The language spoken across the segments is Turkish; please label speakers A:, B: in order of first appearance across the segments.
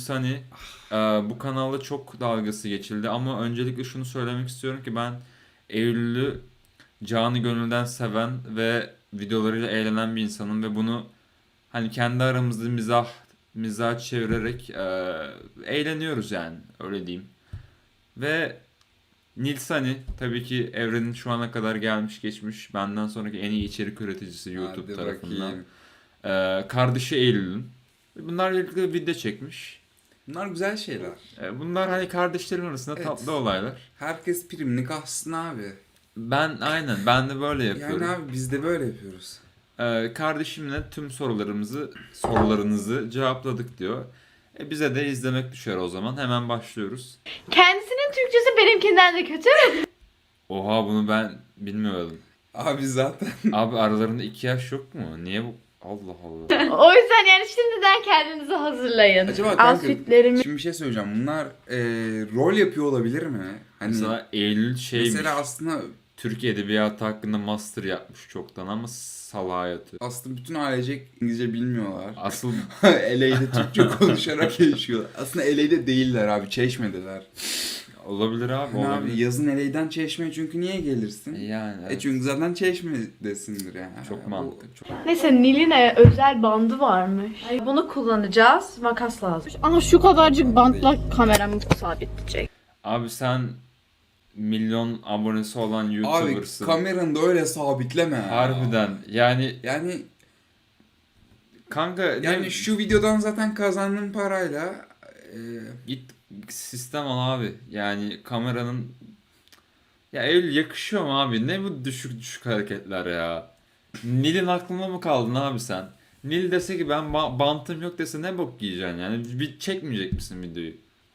A: Nilsani bu kanalda çok dalgası geçildi ama öncelikle şunu söylemek istiyorum ki ben Eylül'ü canı gönülden seven ve videolarıyla eğlenen bir insanım ve bunu hani kendi aramızda mizah çevirerek eğleniyoruz yani öyle diyeyim. Ve Nilsani tabii ki evrenin şu ana kadar gelmiş geçmiş benden sonraki en iyi içerik üreticisi YouTube
B: Hadi
A: tarafından.
B: bakayım.
A: Kardeşi Eylül'ün. Bunlar birlikte video çekmiş.
B: Bunlar güzel şeyler.
A: Bunlar hani kardeşlerin arasında
B: Evet.
A: tatlı olaylar.
B: Herkes primini kalsın abi.
A: Ben de böyle yapıyorum.
B: Yani abi biz de böyle yapıyoruz.
A: Kardeşimle tüm sorularınızı cevapladık diyor. Bize de izlemek düşer o zaman. Hemen başlıyoruz.
C: Kendisinin Türkçesi benimkinden de kötü.
A: Oha bunu ben bilmiyordum.
B: Abi zaten
A: Abi aralarında 2 yaş yok mu? Niye bu? Allah Allah.
C: O yüzden yani şimdiden kendinizi hazırlayın.
B: acaba kanka
C: Outfitlerimi
B: şimdi bir şey söyleyeceğim. Bunlar rol yapıyor olabilir mi? Hani
A: Mesela Eylül şeymiş.
B: mesela aslında
A: Türk Edebiyatı hakkında master yapmış çoktan ama salağa yatıyor.
B: bütün ailecek İngilizce bilmiyorlar.
A: Asıl
B: LA'de Türkçe konuşarak yaşıyorlar. Aslında LA'de değiller abi. Çeşme'deler.
A: olabilir abi.
B: Yani
A: Olabilir.
B: abi yazın LA'den Çeşme'ye çünkü niye gelirsin?
A: Yani evet.
B: Çünkü zaten Çeşme'desindir yani.
A: Çok
B: Bu-
A: mantıklı. Çok...
C: Neyse Nil'in özel bandı varmış.
D: Bunu kullanacağız. Makas lazım.
C: Ama şu kadarcık bantla kameramı sabitleyecek.
A: Abi sen milyon abonesi olan
B: Abi
A: YouTuber'sın.
B: kameranı da öyle sabitleme ya.
A: Harbiden. Yani
B: Yani
A: kanka
B: şu videodan zaten kazandığım parayla
A: git sistem al abi. Yani kameranın ya Eylül yakışıyor mu abi? Ne bu düşük düşük hareketler ya? Nil'in aklına mı kaldın abi sen? Nil dese ki ben bantım yok dese ne bok yiyeceksin yani? Bir çekmeyecek misin videoyu?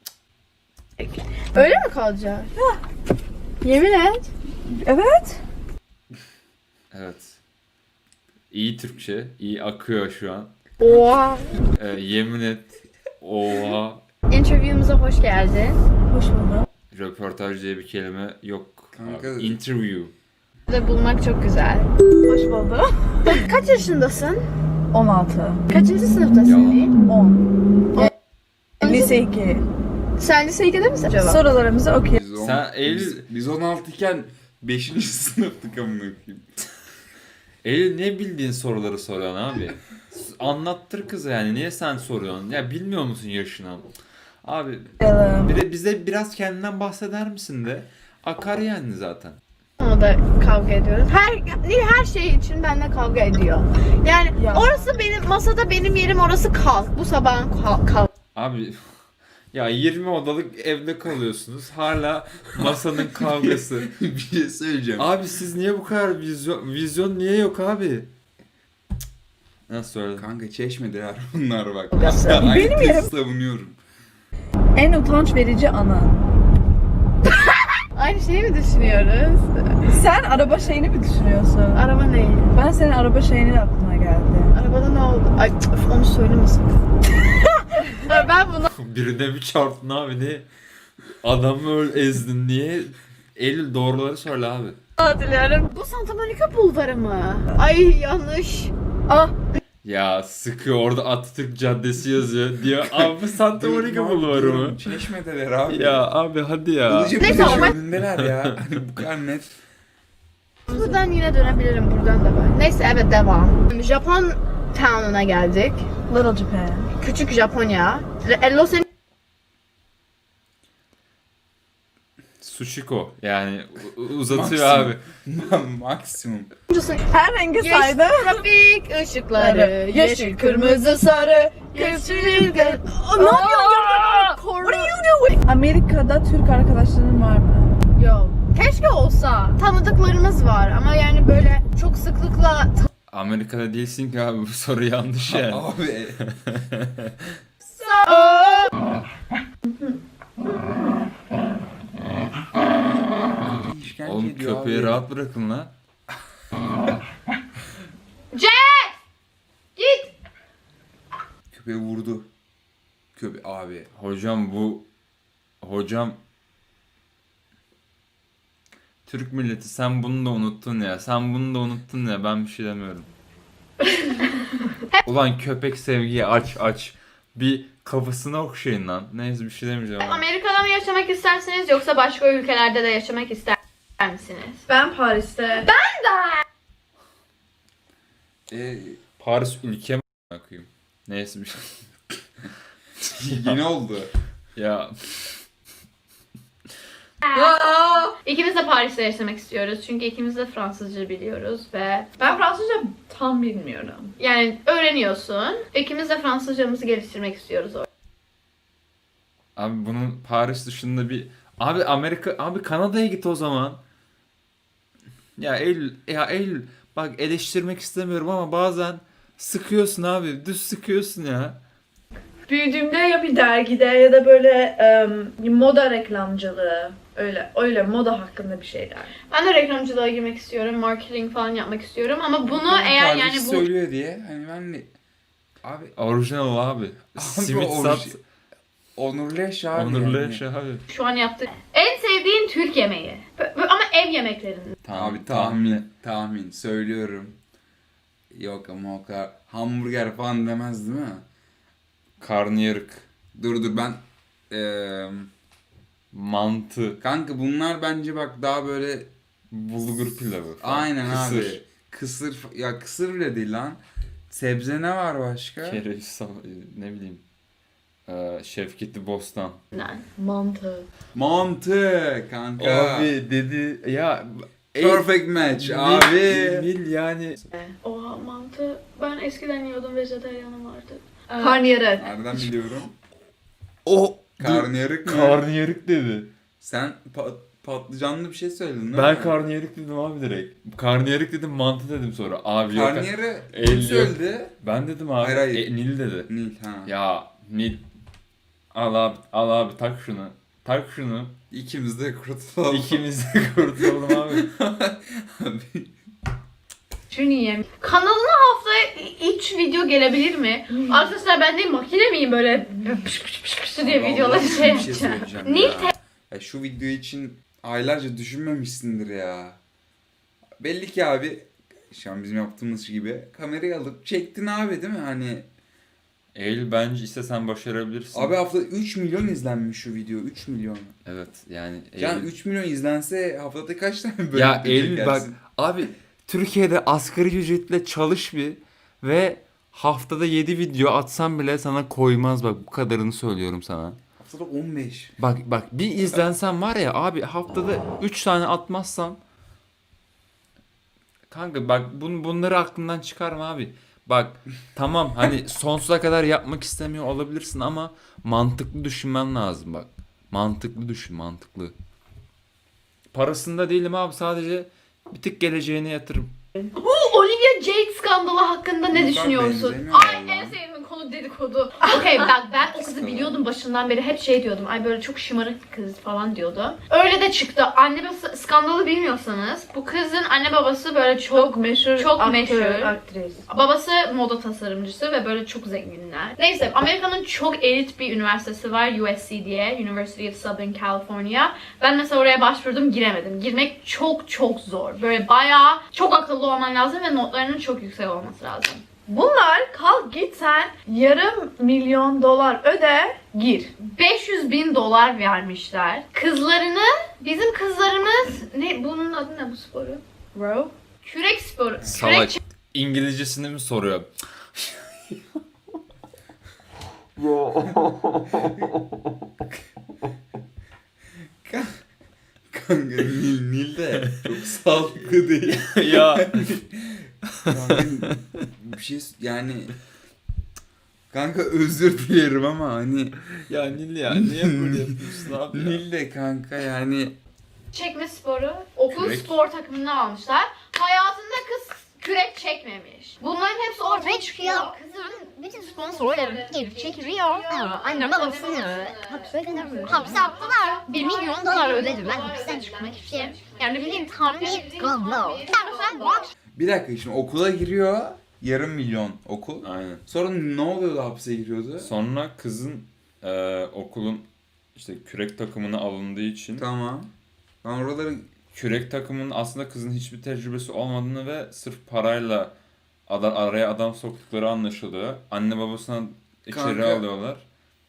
C: Öyle mi kalacak? Yemin et.
D: Evet.
A: Evet. İyi Türkçe, iyi akıyor şu an.
C: Oha.
A: Yemin et. Oha.
C: Interview'umuza hoş geldin.
D: Hoş bulduk.
A: Röportaj diye bir kelime yok.
B: Kanka-
A: Abi. Interview.
C: Burada bulmak çok güzel.
D: Hoş bulduk.
C: Kaç yaşındasın?
D: 16.
C: Kaçıncı sınıftasın Nil?
D: 10. Lise 2.
C: Sen lise 2'de misin acaba?
D: Sorularımızı okuyalım.
A: Sen Eylül-
B: biz 16 iken 5. sınıftık amına koyayım.
A: Eylül niye bildiğin soruları soruyorsun abi? Anlattır kıza yani. Niye sen soruyorsun? Ya bilmiyor musun yaşını? Abi bir de bize biraz kendinden bahseder misin de? Akar yani zaten.
C: Ona da kavga ediyoruz. Nil her şey için benimle kavga ediyor. Yani
D: Ya.
C: orası benim masada benim yerim, orası kalk. Bu sabahın kalk.
A: Abi ya 20 odalık evde kalıyorsunuz. Hala masanın kavgası.
B: Bir şey söyleyeceğim.
A: Abi siz niye bu kadar vizyon niye yok abi? Cık. Nasıl söyledin?
B: Kanka Çeşme'deler bunlar bak.
D: Benim yerim.
B: Savunuyorum.
D: En utanç verici anı.
C: Aynı şeyi mi düşünüyoruz?
D: Sen araba şeyini mi düşünüyorsun?
C: Araba ne?
D: Ben senin araba şeyinin aklına geldi.
C: Arabada ne oldu? Ay onu söylemesin. Ben bunu
A: Birine bir çarptın abi ne? Adamı öyle ezdin niye? Eylül doğruları söyle abi.
C: hatırlıyorum. Bu Santa Monica Bulvarı mı? Ay yanlış.
D: Ah.
A: Ya sıkıyor orada Atatürk Caddesi yazıyor diyor. Abi Santa Monica Bulvarı mı?
B: Çeşme'deler abi.
A: Ya abi hadi ya.
B: Ilıca
C: Neyse,
B: Plajı
C: ama-
B: önündeler ya. Hani bu kadar net.
C: Buradan yine dönebilirim. Buradan da var. Neyse evet devam. Japon Town'una geldik.
D: Little Japan.
C: Küçük Japonya. Los
A: Sushiko yani uzatıyor
B: Maksimum.
A: abi.
B: Maksimum.
C: Angeles'ın
D: Her rengi saydı.
C: trafik ışıkları. Yeşil, kırmızı, sarı. Yeşil, ne yapıyorsun ya? What are you doing?
D: Amerika'da Türk arkadaşların var mı?
C: Yok. Keşke olsa. Tanıdıklarımız var ama yani böyle çok sıklıkla
A: Amerika'da değilsin ki abi bu soru yanlış yani.
B: Abi. İşkence
A: Oğlum
B: ediyor
A: köpeği
B: abi.
A: rahat bırakın lan.
C: git.
B: Köpeği vurdu. Abi.
A: Hocam Türk milleti sen bunu da unuttun ya. Sen bunu da unuttun ya. Ben bir şey demiyorum. Ulan köpek sevgiyi aç. Bir kafasına okşayın lan. Neyse bir şey demeyeceğim ama.
C: Amerika'da mı yaşamak istersiniz yoksa başka ülkelerde de yaşamak ister misiniz?
D: Ben Paris'te.
A: Paris ülke mi koyayım? Neyse bir şey.
B: Yine oldu.
A: Ya
C: İkimiz de Paris'te yaşamak istiyoruz çünkü ikimiz de Fransızca biliyoruz ve
D: Ben Fransızca tam bilmiyorum.
C: yani öğreniyorsun. İkimiz de Fransızcamızı geliştirmek istiyoruz orada.
A: abi bunun Paris dışında bir abi Amerika abi Kanada'ya git o zaman. Ya Eylül bak eleştirmek istemiyorum ama bazen sıkıyorsun abi. Düz sıkıyorsun ya.
D: Büyüdüğümde ya bir dergide ya da böyle moda reklamcılığı, öyle moda hakkında bir şeyler.
C: Ben de reklamcılığa girmek istiyorum, marketing falan yapmak istiyorum ama bunu eğer yani bu
B: söylüyor diye hani ben de abi
A: Orijinal abi. Simit
B: o
A: sat.
B: onurlu yaşa abi.
A: Onurlu
B: yani.
A: yaşa abi.
C: şu an yaptık. En sevdiğin Türk yemeği. Ama ev yemeklerinden.
B: Abi tahmin söylüyorum. Yok ama o kadar hamburger falan demez değil mi?
A: Karnıyarık.
B: Dur ben
A: Mantı.
B: kanka bunlar bence bak daha böyle
A: Bulgur pilavı falan.
B: aynen
A: Kısır.
B: abi. Kısır ya kısır bile değil lan. Sebze ne var başka?
A: Kereviz, ne bileyim. Şevketli Bostan.
C: Mantı.
B: Mantı kanka.
A: Abi dedi ya
B: Perfect match abi.
A: Nil yani.
C: Oha mantı. Ben eskiden yiyordum, vejetaryenim vardı.
D: Karnıyarık.
B: Nereden biliyorum?
A: O
B: Karnıyarık mı?
A: karnıyarık dedi.
B: Sen patlıcanlı bir şey söyledin değil
A: Ben
B: mi?
A: karnıyarık dedim abi direkt. Karnıyarık dedim, mantı dedim sonra. Abi yok.
B: Karnıyarı
A: El
B: kim
A: yok.
B: söyledi?
A: Ben dedim abi.
B: Hayır, hayır.
A: Nil dedi.
B: Nil ha.
A: Ya Nil. Al abi tak şunu. Tak şunu.
B: İkimiz de kurtulalım.
A: İkimiz de kurtulalım abi.
B: Abi.
C: Şunu yiyeyim. Kanalına haftaya 3 video gelebilir mi? Arkadaşlar ben de makine miyim böyle pış pış pış pış diye videoları
B: Vallahi
C: şey
B: bir şey
C: yapacağım.
B: söyleyeceğim
C: Nil
B: ya. Ya şu video için aylarca düşünmemişsindir ya. Belli ki abi şu an bizim yaptığımız gibi kamerayı alıp çektin abi değil mi? Hani
A: Eylül bence istesen başarabilirsin.
B: abi haftada 3 milyon izlenmiş şu video. 3 milyon.
A: Evet yani
B: Yani
A: Eylül.
B: 3 milyon izlense haftada kaç tane bölüm
A: Ya
B: video
A: Eylül bak
B: çekersin?
A: abi Türkiye'de asgari ücretle çalış bir ve haftada 7 video atsan bile sana koymaz, bak bu kadarını söylüyorum sana.
B: Haftada 15.
A: Bak bir izlensen var ya abi, haftada 3 tane atmazsan kanka bak bunları aklından çıkarma abi. Bak tamam hani sonsuza kadar yapmak istemiyor olabilirsin ama mantıklı düşünmen lazım bak. Mantıklı düşün, mantıklı. Parasında değilim abi, sadece bir tık geleceğine yatırım.
C: Bu Olivia Jade skandalı hakkında ne
B: Bunlar
C: düşünüyorsun?
B: benzemiyor
C: Ay
B: vallahi.
C: en sevdiğim konu dedikodu. Okey bak ben o kızı biliyordum başından beri, hep şey diyordum. Ay böyle çok şımarık bir kız falan diyordu. Öyle de çıktı. Anne babası skandalı bilmiyorsanız bu kızın anne babası böyle çok
D: meşhur
C: Çok
D: aktör,
C: meşhur.
D: aktris.
C: Babası moda tasarımcısı ve böyle çok zenginler. Neyse Amerika'nın çok elit bir üniversitesi var, USC diye. University of Southern California. Ben mesela oraya başvurdum, giremedim. Girmek çok zor. Böyle bayağı çok akıllı olman lazım ve notlarının çok yüksek olması lazım.
D: Bunlar kalk git sen $500,000 öde gir.
C: $500,000 vermişler. Kızlarını, bizim kızlarımız, ne bunun adı ne bu sporu?
D: Bro.
C: Kürek sporu.
A: Salak.
C: Kürek
A: İngilizcesini mi soruyor?
B: Kanka Nil de çok sağlıklı değil.
A: Ya
B: Kanka, bir şey yani kanka özür dilerim ama hani
A: ya Nil ya niye böyle yapıyorsun abi ya?
B: Nil de kanka yani
C: çekme sporu. Okul
A: Kürek.
C: spor takımını almışlar. Hayatında kız kürek çekmemiş. Bunların hepsi ortaya çıkıyor.
E: Kızın bütün sponsorları gelip çekiliyor. Annem babasını hapse attılar. $1 milyon ödedim ben hapisten çıkmak için. Yani bildiğin tam bir gazlo. Ben bu akşam
B: bir dakika şimdi okula giriyor yarım milyon okul.
A: Aynen.
B: Sonra ne oluyordu hapse giriyordu?
A: Sonra kızın okulun işte kürek takımına alındığı için
B: Tamam. Ben oraları
A: kürek takımının aslında kızın hiçbir tecrübesi olmadığını ve sırf parayla araya adam soktukları anlaşılıyor. Anne babasına içeri
B: Kanka.
A: alıyorlar.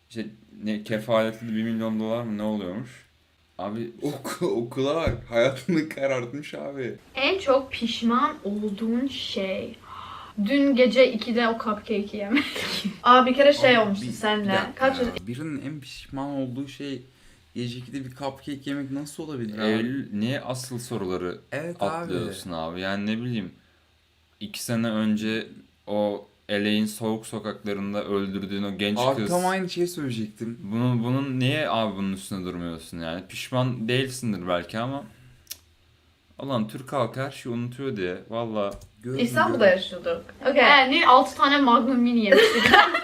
A: İşte ne kefaletli 1 milyon dolar mı ne oluyormuş? Abi
B: Okula bak. Hayatını karartmış abi.
C: En çok pişman olduğun şey. Dün gece 2'de o cupcake'i yemek.
D: Aa bir kere şey
B: Abi,
D: olmuştu
B: bir
D: seninle.
B: dakika
D: Kaç
B: ya. Birinin en pişman olduğu şey gece 2'de bir cupcake yemek nasıl olabilir abi?
A: Eylül niye asıl soruları
B: Evet
A: atlıyorsun abi? Yani ne bileyim 2 sene önce o LA'in soğuk sokaklarında öldürdüğün o genç
B: Abi
A: kız.
B: tam aynı şeyi söyleyecektim.
A: Bunun niye abi bunun üstüne durmuyorsun yani? Pişman değilsindir belki ama Ulan Türk halkı her şeyi unutuyor diye. Valla
B: Gördüm,
D: İstanbul'da
B: gördüm.
D: yaşıyorduk. Okay.
C: Yani 6 tane Magnum Mini yemiştik.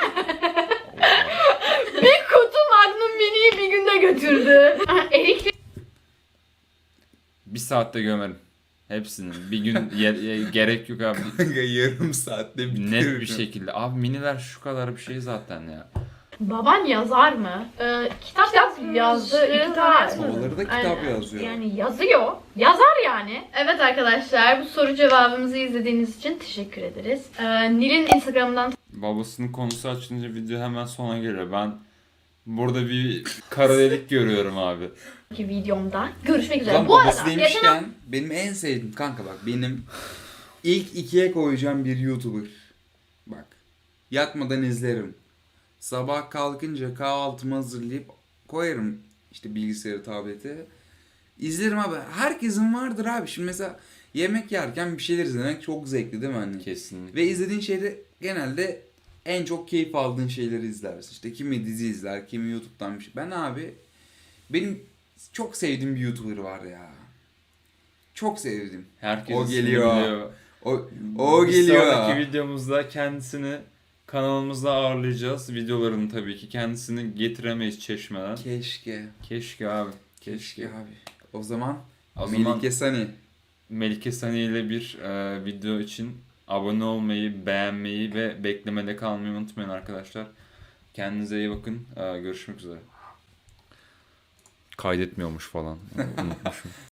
C: Bir kutu Magnum Mini'yi bir günde götürdü. Erikli
A: bir saatte gömerim. Hepsini. Bir gün gerek yok abi.
B: Kanka yarım saatte bitiririm.
A: Net bir şekilde. Abi miniler şu kadar bir şey zaten ya.
C: baban yazar mı? Kitap
D: yazdı, iki tane yazmadı.
B: Babaları da kitap
C: Aynen.
B: yazıyor.
C: Yani yazıyor. Yazar yani. Evet arkadaşlar bu soru cevabımızı izlediğiniz için teşekkür ederiz. Nil'in Instagram'dan
A: Babasının konusu açılınca video hemen sona geliyor. Ben burada bir kara delik görüyorum abi.
C: ki videomda görüşmek üzere.
B: Lan
C: Bu
B: babası
C: arada
B: demişken benim en sevdiğim kanka bak benim ilk ikiye koyacağım bir YouTuber. Bak yatmadan izlerim. Sabah kalkınca kahvaltımı hazırlayıp koyarım işte bilgisayarı, tableti. İzlerim abi. Herkesin vardır abi. Şimdi mesela yemek yerken bir şeyler izlemek çok zevkli değil mi anne?
A: Kesinlikle.
B: Ve izlediğin şeyde genelde en çok keyif aldığın şeyleri izlersin. İşte kimi dizi izler, kimi YouTube'dan bir şey. Ben abi benim çok sevdiğim bir YouTuber var ya. Çok sevdim.
A: Herkes
B: O
A: ismini
B: geliyor.
A: biliyor.
B: O
A: Bir
B: geliyor.
A: sonraki videomuzda kendisini kanalımızda ağırlayacağız. Videolarını tabii ki kendisini getiremeyiz Çeşme'den.
B: Keşke.
A: Keşke abi.
B: Keşke abi. O zaman
A: O zaman
B: Melike Sani.
A: Melike Sani ile bir video için abone olmayı, beğenmeyi ve beklemede kalmayı unutmayın arkadaşlar. Kendinize iyi bakın. Görüşmek üzere. Kaydetmiyormuş falan. Unutmuşum.